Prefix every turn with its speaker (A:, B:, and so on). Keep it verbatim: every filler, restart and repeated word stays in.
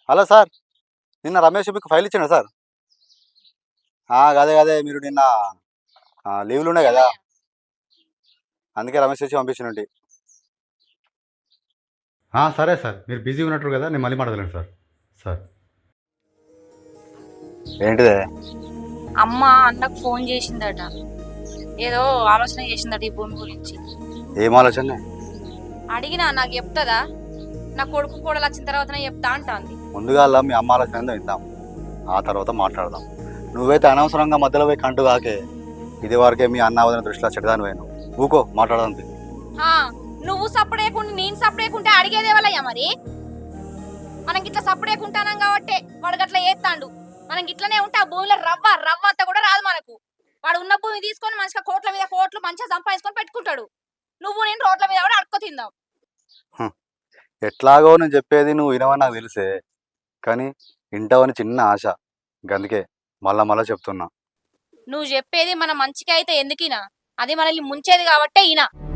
A: Hello sir, నిన్న రమేష్ మీకు file ఇచ్చిండు సార్. ఆ, అదే అదే మీరు నిన్న ఆ, లీవ్లు ఉన్నాయి కదా,
B: ఏమయ్యా?
A: అందుకే రమేష్ వచ్చి పంపించినట్టు.
C: ఆ, సరే సార్, మీరు బిజీ ఉన్నట్టు కదా, నేను మళ్ళీ మాట్లాడలేను సార్. సార్
A: ఏంటిదే?
B: అమ్మ అన్నకు ఫోన్ చేసిందట. ఏదో ఆలోచన చేసిందట ఈ భూమి గురించి.
A: ఏం ఆలోచన?
B: అడిగినా నాకు చెప్తుందా? నా కొడుకు కూడా వచ్చిన తర్వాతనే చెప్తా అంటాంది.
A: ముందుగా మీ అమ్మ ఆలోచన ఏందో విందాం, ఆ తర్వాత మాట్లాడదాం. నువ్వైతే అనవసరంగా మధ్యలో పోయి కంటు కాకే. ఇది వరకే మీ అన్న వదిన దృష్టిలో చెడ్డదాని పోయాను. ఊకో, మాట్లాడదాం.
B: హా, నువ్వు సప్పుడేకుంటే నేను సప్పుడేకుంటే అడిగేదే వాళ్ళయ్యా మరి. మనం గిట్లా సప్పుడేకుంటానం కాబట్టి వాడు గట్లా ఏత్తాండు. మనం గిట్లనే ఉంటే ఆ భూమిలో రవ్వ రవ్వ అంతా కూడా రాదు మనకు. వాడు ఉన్న భూమి తీసుకొని మంచిగా కోట్ల మీద కోట్లు మంచిగా సంపాదించుకొని పెట్టుకుంటాడు. నువ్వు నేను రోడ్ల మీద కూడా అడుక్కో తిందాం.
A: హ్మ్. ఎట్లాగో నేను చెప్పేది నువ్వు వినవని నాకు తెలిసే, కానీ వింటావని చిన్న ఆశ. అందుకే మళ్ళా మళ్ళా చెప్తున్నా.
B: నువ్వు చెప్పేది మన మంచికి అయితే ఎందుకినా? అది మనల్ని ముంచేది కాబట్టే ఈయన.